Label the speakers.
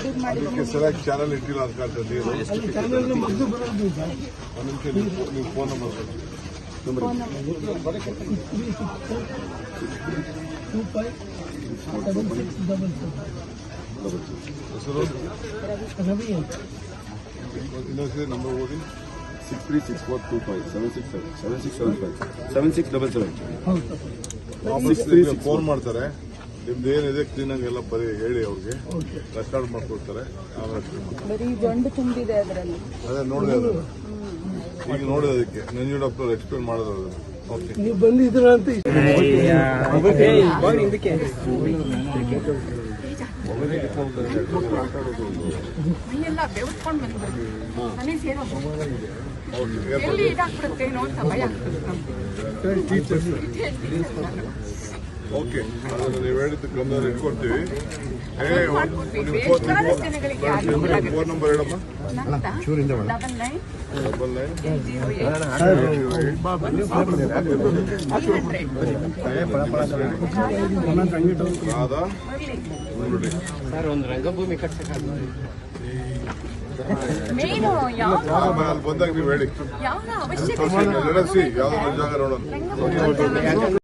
Speaker 1: ಅದಕ್ಕೆ ಸರಿಯಾಗಿ ಚಾನಲ್ ಇಟ್ಟಿಲ್ಲ ಅಂತ ಕಾಣ್ತದೆ. ಒಂದು ನಿಮಿಷ ನೀವು ಫೋನ್ ನಂಬರ್ ಹೆಸರು ಇನ್ನೊಂದ್ಸರಿ ನಂಬರ್ ಓದಿ.
Speaker 2: 6364257677
Speaker 1: ಫೋನ್ ಮಾಡ್ತಾರೆ. ನಿಮ್ದು ಏನಿದೆ ಕ್ಲೀನಾಗಿ ಎಲ್ಲ ಬರೀ ಹೇಳಿ ಅವ್ರಿಗೆ ರೆಕಾರ್ಡ್ ಮಾಡ್ಕೊಡ್ತಾರೆ. ಅದೇ ನೋಡಿದೆ ಅದನ್ನು ಈಗ ನೋಡಿದೆ. ಅದಕ್ಕೆ ನಂಜುಂಡಪ್ಪನವ್ರು ಎಕ್ಸ್ಪ್ಲೇನ್ ಮಾಡೋದು ಅದನ್ನು. ಓಕೆ ನೀವು ಬಂದಿದ್ರ ಅಂತ ಓಕೆ ನೀವು ಹೇಳಿದ್ದು ಗಮನದಲ್ಲಿ ಇಟ್ಕೊಡ್ತೀವಿ. ಫೋನ್ ನಂಬರ್ ಹೇಳಮ್ಮ.
Speaker 2: 99 ಒಂದು ರಂಗಭೂಮಿ ಕಟ್ಸಕ್ಕಾಗಲ್ಲ.
Speaker 1: ಬಂದಾಗ ನೀವು ಹೇಳಿ. ನಡೆಸಿ ಯಾವ್ದಾದ್ರು ಜಾಗ ನೋಡೋಣ.